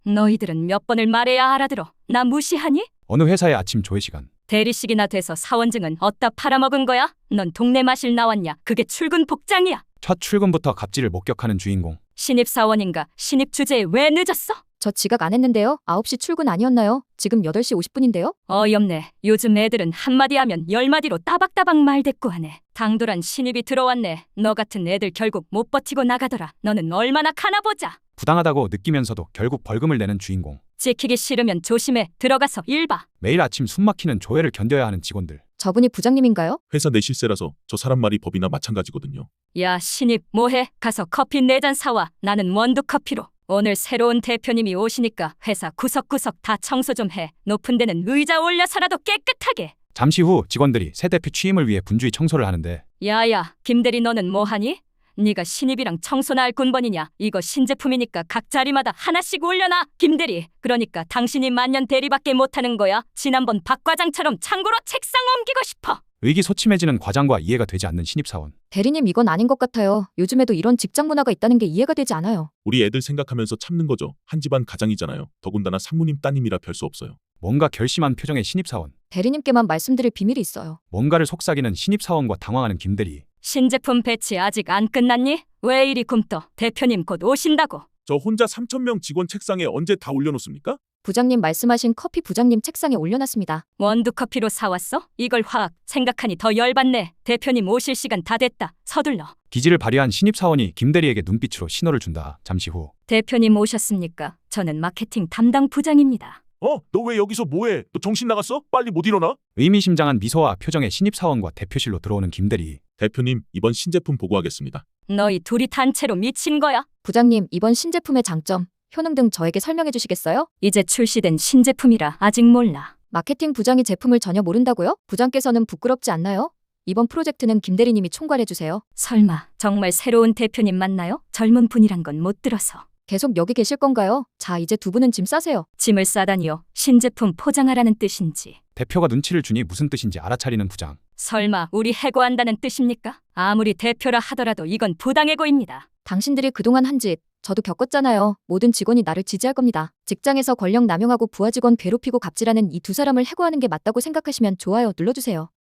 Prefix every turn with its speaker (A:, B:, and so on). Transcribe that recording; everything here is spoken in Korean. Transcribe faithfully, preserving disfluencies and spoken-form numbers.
A: 너희들은 몇 번을 말해야 알아들어. 나 무시하니?
B: 어느 회사의 아침 조회 시간.
A: 대리식이나 돼서 사원증은 어디다 팔아먹은 거야? 넌 동네 마실 나왔냐? 그게 출근 복장이야.
B: 첫 출근부터 갑질을 목격하는 주인공.
A: 신입사원인가? 신입 주제에 왜 늦었어?
C: 저 지각 안 했는데요. 아홉 시 출근 아니었나요? 지금 여덟 시 오십 분인데요?
A: 어이없네. 요즘 애들은 한마디 하면 열마디로 따박따박 말대꾸하네. 당돌한 신입이 들어왔네. 너 같은 애들 결국 못 버티고 나가더라. 너는 얼마나 가나 보자.
B: 부당하다고 느끼면서도 결국 벌금을 내는 주인공.
A: 지키기 싫으면 조심해. 들어가서 일 봐.
B: 매일 아침 숨막히는 조회를 견뎌야 하는 직원들.
C: 저분이 부장님인가요?
D: 회사 내 실세라서 저 사람 말이 법이나 마찬가지거든요.
A: 야 신입 뭐해? 가서 커피 네 잔 사와. 나는 원두커피로. 오늘 새로운 대표님이 오시니까 회사 구석구석 다 청소 좀 해. 높은 데는 의자 올려서라도 깨끗하게.
B: 잠시 후 직원들이 새 대표 취임을 위해 분주히 청소를 하는데
A: 야야 김대리 너는 뭐하니? 네가 신입이랑 청소나 할 군번이냐? 이거 신제품이니까 각 자리마다 하나씩 올려놔. 김대리 그러니까 당신이 만년 대리밖에 못하는 거야. 지난번 박 과장처럼 창고로 책상 옮기고 싶어.
B: 의기소침해지는 과장과 이해가 되지 않는 신입사원.
C: 대리님 이건 아닌 것 같아요. 요즘에도 이런 직장 문화가 있다는 게 이해가 되지 않아요.
D: 우리 애들 생각하면서 참는 거죠. 한 집안 가장이잖아요. 더군다나 상무님 따님이라 별 수 없어요.
B: 뭔가 결심한 표정의 신입사원.
C: 대리님께만 말씀드릴 비밀이 있어요.
B: 뭔가를 속삭이는 신입사원과 당황하는 김대리.
A: 신제품 배치 아직 안 끝났니? 왜 이리 굼떠? 대표님 곧 오신다고.
D: 저 혼자 삼천 명 직원 책상에 언제 다 올려놓습니까?
C: 부장님 말씀하신 커피 부장님 책상에 올려놨습니다.
A: 원두커피로 사왔어? 이걸 화학 생각하니 더 열받네. 대표님 오실 시간 다 됐다. 서둘러.
B: 기지를 발휘한 신입사원이 김대리에게 눈빛으로 신호를 준다. 잠시 후.
A: 대표님 오셨습니까? 저는 마케팅 담당 부장입니다.
D: 어? 너 왜 여기서 뭐해? 너 정신 나갔어? 빨리 못 일어나?
B: 의미심장한 미소와 표정의 신입사원과 대표실로 들어오는 김대리.
D: 대표님, 이번 신제품 보고하겠습니다.
A: 너희 둘이 단체로 미친 거야?
C: 부장님 이번 신제품의 장점, 효능 등 저에게 설명해 주시겠어요?
A: 이제 출시된 신제품이라 아직 몰라.
C: 마케팅 부장이 제품을 전혀 모른다고요? 부장께서는 부끄럽지 않나요? 이번 프로젝트는 김대리님이 총괄해 주세요.
A: 설마 정말 새로운 대표님 맞나요? 젊은 분이란 건 못 들어서.
C: 계속 여기 계실 건가요? 자, 이제 두 분은 짐 싸세요.
A: 짐을 싸다니요. 신제품 포장하라는 뜻인지.
B: 대표가 눈치를 주니 무슨 뜻인지 알아차리는 부장.
A: 설마 우리 해고한다는 뜻입니까? 아무리 대표라 하더라도 이건 부당해고입니다.
C: 당신들이 그동안 한 짓, 저도 겪었잖아요. 모든 직원이 나를 지지할 겁니다. 직장에서 권력 남용하고 부하 직원 괴롭히고 갑질하는 이 두 사람을 해고하는 게 맞다고 생각하시면 좋아요 눌러주세요.